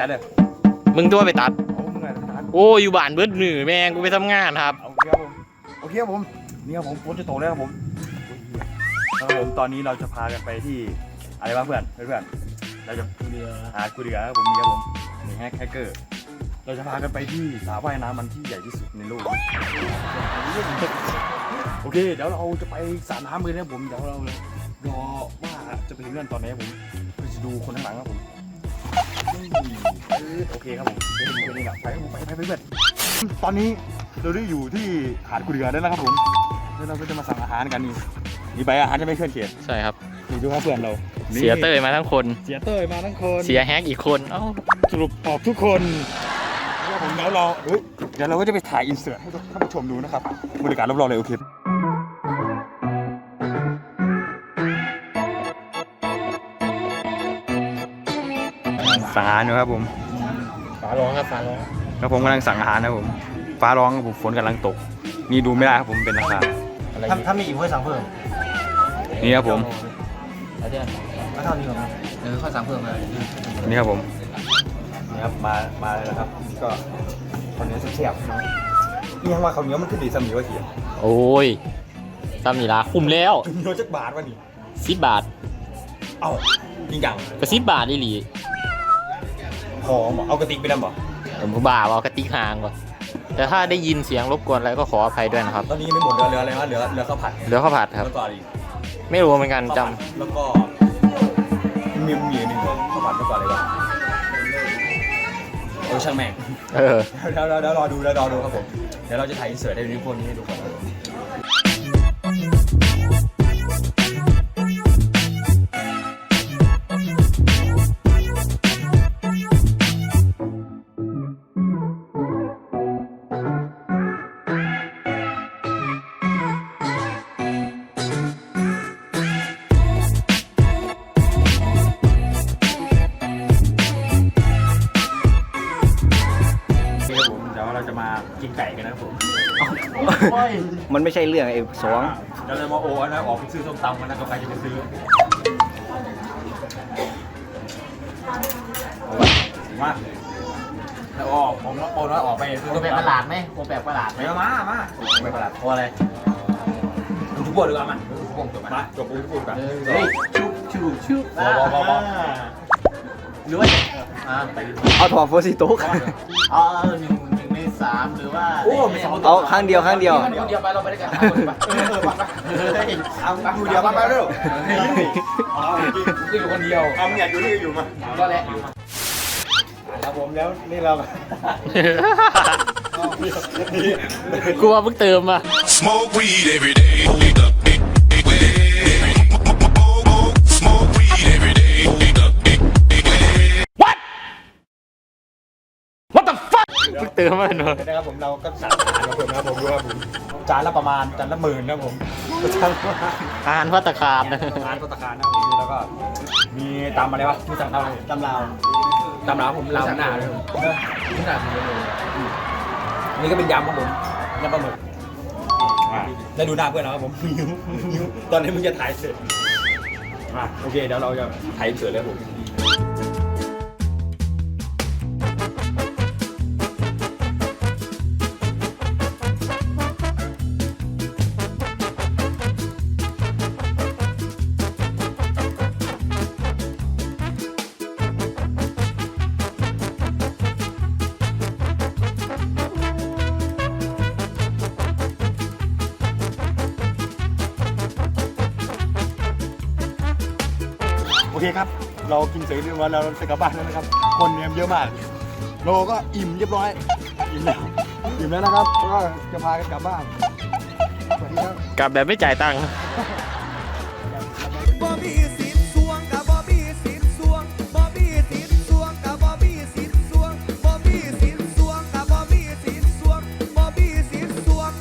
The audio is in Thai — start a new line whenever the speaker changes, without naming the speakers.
ตัดเลย
มึงตัวไปตัด
โอ้มึงไงไปตัด
โอ้อยู่บ้านเบิดมือแม่งกูไปทำงานครับ
โอเคครับผมโอเคครับผมนี่ครับผมฝนจะตกแล้วครับผมครับผมตอนนี้เราจะพากันไปที่อะไรบ้างเพื่อนเราจะหากูเดือครับผมนี่ครับผมนี่แฮกเกอร์เราจะพากันไปที่สระว่ายน้ำมันที่ใหญ่ที่สุดในโลกโอเคเดี๋ยวเราจะไปสระน้ำกันนะผมเดี๋ยวเรารอว่าจะไปถึงนั่นตอนไหนผมจะดูคนข้างหลังครับผมโอเคครับผมไปนี่แหละไปเพื่อนตอนนี้เราได้อยู่ที่หาดกูเดือแล้วนะครับผมแล้วเราก็จะมาสั่งอาหารกันนี่ไปอาหารจะไม่เคลื่อนเขียน
ใช่ครับ
นี่ดูครับเพื่อนเรา
เสียเต้ยมาทั้งคน
เสียเต้ยมาทั้งคน
เสียแฮกอีกคนเอ้า
สรุปออกทุกคนแล้วผมเดี๋ยวเราก็จะไปถ่ายอินเสิร์ตให้ท่านผู้ชมดูนะครับบรรยากาศรอบๆเลยโอเคสั่งอาหารอยู่ครับผม
ฟ้าร้องครับฟ้าร้อง
แล้วผมกำลังสั่งอาหารนะผมฟ้าร้องครับผมฝนกำลังตกนี่ดูไม่ได้ครับผมเป็นราคา
ถ้ามีอีกค่อยสั่งเพิ่ม
นี่ครับผม
ก็เท่านี้ก่อนนะค่อยสั่งเพิ่มเลย
นี่ครับผมนี่ครับมาเลยนะครับก็คนนี้เสียบนี่ยังว่าเขาเนี้ยมันขึ้นดีสมีว่าเขียน
โอ้ยตามนี่ละคุ้มแล้ว
โยนจักบาทวะนี่
10 บาท
เอ้าจริงจัง
ก็10 บาทอีหลี
หอมเอากระติกไปดำบ่
ผมบ้าเอากระติกหางก่อนแต่ถ้าได้ยินเสียงรบกวนอะไรก็ขออภัยด้วยนะครับ
ตอนนี้ไม่หมดเรืออะไรวะเรือข้าวผัด
ครับ
แล้วก็อะไร
ไม่รู้เหมือนกันจ
ำแล้วก็มีหนึ่งข้าวผัดแล้วก็อะไรวะช่างแม่งเดี๋ยวรอดูครับผมเดี๋ยวเราจะถ่ายอินเสิร์ตในนี้พวกนี้ให้ดูก่อนเราจะมากินไก่กันนะครับผม
มันไม่ใช่เรื่องไอ้สอง
เราเลยมาโอ้นะออกไปซื้อส้มตำกันนะก็ใครจะไปซื้อมาแล้วผมโอนออกไปซื้อ
แบบประหลาดไหมผมแบบประหลาดไหม
มา
แบบประหลาดเพราะอะไร
ทุกบทเลยกันมาจบทุกบทกัน
เฮ้ยชุบหรือว่า
เอาถอดโฟซิโต้
เอา1 ใน 3หรือว่า
เอาครั้งเดียว
ไปเราไปด้วยกัน
เอาอยู่เดียวไปเร็ว
อยู่คนเดียว
เอาอยากอยู่นี่อยู่มา
ก็แหละ
ครับผมแล้วนี่เรา
กูว่าเพิ่งเติมมา
Smoke weed every day Smoke weed every day
What the fuck เพิ่งเติมมาเนอะ
นะครับผมเราก็สั่งอาหารมาเพิ่มนะครับผมดูครับผมจานละประมาณจานละ10,000นะผม
อาหารภัตตาคารนะ
อาหารภัตตาคารนะผมแล้วก็มีตำอะไรวะมีสั่งอะไร
ตำลาว
ผมลาวหน้าเลยนี่ก็เป็นยำครับผมยำปลาหมึกได้ดูหน้าเพื่อนแล้วครับผมตอนนี้มึงจะถ่ายเสร็จโอเคเดี๋ยวเราจะถ่ายเสร็จแล้วผมโอเคครับเรากินเสร็จเรียบร้อยแล้วเราจะกลับบ้านแล้วนะครับคนเนี่ยเยอะมากโลก็อิ่มเรียบร้อยอิ่มแล้วนะครับก็จะพากันกลับบ้าน
กลับแบบไม่จ่ายตังค์